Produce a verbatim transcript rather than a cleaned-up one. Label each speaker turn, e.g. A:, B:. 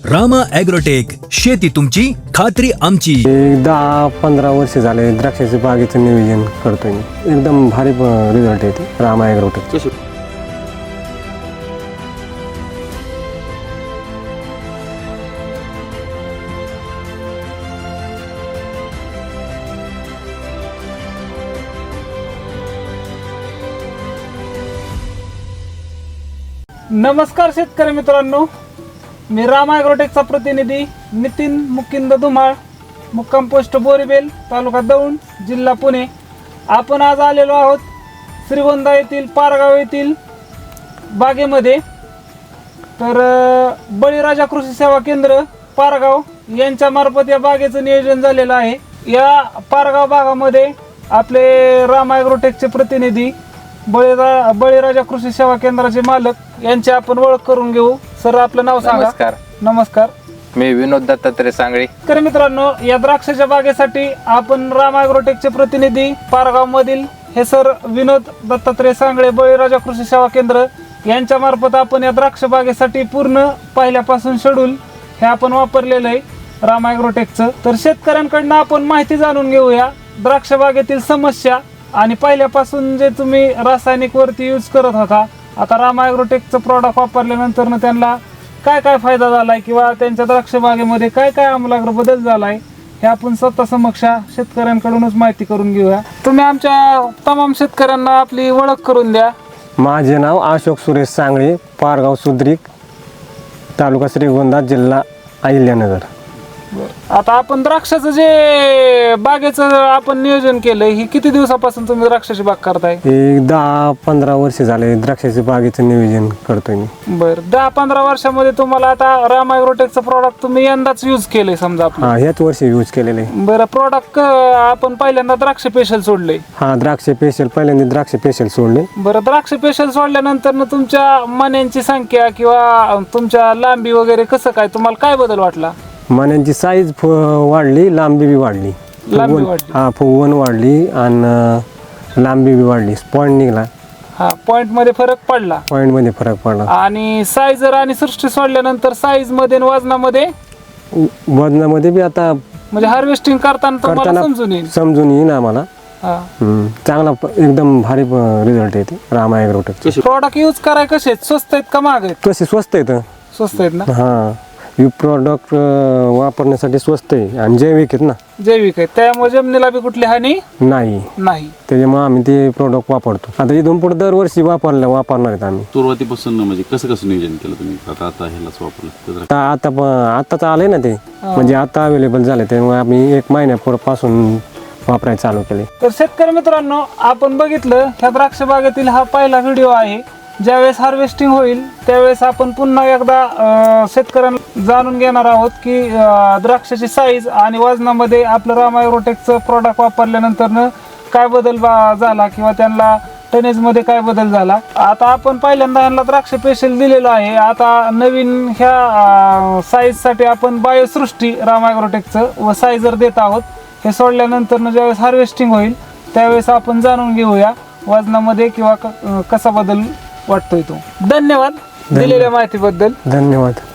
A: Rama agrotech, शेती तुमची खात्री आमची.
B: दहा पंधरा वर्ष झाले द्राक्षाच्या बागेचं नियोजन करतोय मी. एकदम भारी रिझल्ट येते रामा ॲग्रोटेक.
C: नमस्कार शेतकरी मित्रांनो, मी रामा ॲग्रोटेकचा प्रतिनिधी नितीन मुकिंद धुमाळ, मुक्काम पोस्ट बोरीबेल, तालुका दौंड, जिल्हा पुणे. आपण आज आलेलो आहोत श्रीगोंदा येथील पारगाव येथील बागेमध्ये. तर बळीराजा कृषी सेवा केंद्र पारगाव यांच्या मार्फत या बागेचं नियोजन झालेलं आहे. या पारगाव भागामध्ये आपले रामा ॲग्रोटेकचे प्रतिनिधी बळीरा बळीराजा कृषी सेवा केंद्राचे मालक यांची आपण ओळख करून घेऊ. सर, आपलं नाव सांगा.
D: नमस्कार.
C: नमस्कार.
D: मी विनोद दत्तात्रय सांगळे.
C: तर मित्रांनो, या द्राक्षाच्या बागेसाठी आपण रामा ॲग्रोटेकचे प्रतिनिधी पारगाव मधील हे सर विनोद दत्तात्रय सांगळे, बळीराजा कृषी सेवा केंद्र यांच्या मार्फत आपण या द्राक्ष बागेसाठी पूर्ण पहिल्यापासून शेड्यूल हे आपण वापरलेलं आहे रामा ॲग्रोटेकचं. तर शेतकऱ्यांकडनं आपण माहिती जाणून घेऊया द्राक्ष बागेतील समस्या आणि पहिल्यापासून जे तुम्ही रासायनिक वरती यूज करत होता, आता रामा ॲग्रोटेकचं प्रॉडक्ट वापरल्यानंतर त्यांना काय काय फायदा झालाय किंवा त्यांच्या द्राक्ष बागेमध्ये काय काय आमूलाग्र बदल झालाय हे आपण स्वतः समक्ष शेतकऱ्यांकडूनच माहिती करून घेऊया. तुम्ही आमच्या तमाम शेतकऱ्यांना आपली ओळख करून द्या.
B: माझे नाव अशोक सुरेश सांगळे, पारगाव सुद्रिक, तालुका श्रीगोंदा, जिल्हा अहिल्यानगर.
C: आता आपण द्राक्षाचं जे बागेचं आपण नियोजन केलंय, ही किती दिवसापासून तुम्ही द्राक्षाची बाग करताय?
B: एक दहा पंधरा वर्ष झाले द्राक्षाच्या बागेचं नियोजन करतोय मी.
C: बरं, दहा पंधरा वर्षामध्ये तुम्हाला आता रामा ॲग्रोटेकचं प्रॉडक्ट तुम्ही यंदाच यूज केलंय समजा आपलं?
B: हा, ह्याच वर्षी यूज केलेले.
C: बरं, प्रॉडक्ट आपण पहिल्यांदा द्राक्ष पेशल सोडले.
B: हा, द्राक्ष पेशल पहिल्यांदा द्राक्ष पेशल सोडले.
C: बरं, द्राक्ष पेशल सोडल्यानंतर ना तुमच्या मण्यांची संख्या किंवा तुमच्या लांबी वगैरे कसं काय, तुम्हाला काय बदल वाटला?
B: मण्यांची साईज वाढली, लांबी बी वाढली.
C: लांबी
B: फुगवण-
C: वाढली.
B: हा, फुगवण वाढली आणि लांबी बी वाढली. पॉईंट निघाला,
C: हा, पॉइंट मध्ये फरक पडला.
B: पॉईंट मध्ये फरक पडला.
C: आणि साईजर आणि सृष्टी सोडल्यानंतर साईज मध्ये आणि वजनामध्ये
B: वजनामध्ये बी आता
C: म्हणजे हार्वेस्टिंग करताना तुम्हाला
B: करताना
C: समजून येईल.
B: समजून येईन आम्हाला.
C: हा.
B: हम्म, चांगला प- एकदम भारी रिझल्ट येते रामा ॲग्रोटेक.
C: प्रॉडक्ट यूज कराय कसे आहेत? स्वस्त आहेत का महाग आहेत?
B: कसे स्वस्त आहेत.
C: स्वस्त आहेत ना.
B: हा, हे प्रॉडक्ट वापरण्यासाठी स्वस्त आहे आणि जैविक आहेत ना.
C: जैविक आहेत, त्यामुळे जमिनीला बी कुठली हानी
B: नाही,
C: नाही.
B: त्याच्यामुळे आम्ही ते प्रॉडक्ट वापरतो. आता इथून पुढे दरवर्षी वापरलं वापरणार आहेत आम्ही.
E: सुरुवातीपासून म्हणजे कसं कसं नियोजन केलं तुम्ही? आता आता ह्यालाच वापरलं.
B: आता आता प- आताच आलंय ना ते, म्हणजे आता अवेलेबल झाले, त्यामुळे आम्ही एक महिन्यापासून वापरायला चालू केले.
C: तर शेतकरी मित्रांनो, आपण बघितलं ह्या द्राक्ष बागेतील हा पहिला व्हिडिओ आहे. ज्यावेळेस हार्वेस्टिंग होईल त्यावेळेस आपण पुन्हा एकदा अं, शेतकऱ्यांना जाणून घेणार आहोत की अं, द्राक्षाची साईज आणि वजनामध्ये आपलं रामा ॲग्रोटेकचं प्रॉडक्ट वापरल्यानंतर काय बदल बा- झाला किंवा त्यांना टनेजमध्ये काय बदल झाला. आता आपण पहिल्यांदा ह्यांना द्राक्ष पेशल दिलेलं आहे. आता नवीन ह्या साईजसाठी आपण बायोसृष्टी रामा ॲग्रोटेकचं व साईजर देत आहोत. हे सोडल्यानंतर ज्यावेळेस हार्वेस्टिंग होईल त्यावेळेस आपण जाणून घेऊया वजनामध्ये किंवा क- कसा बदल वाटतोय तो. धन्यवाद दिलेल्या माहितीबद्दल.
B: धन्यवाद.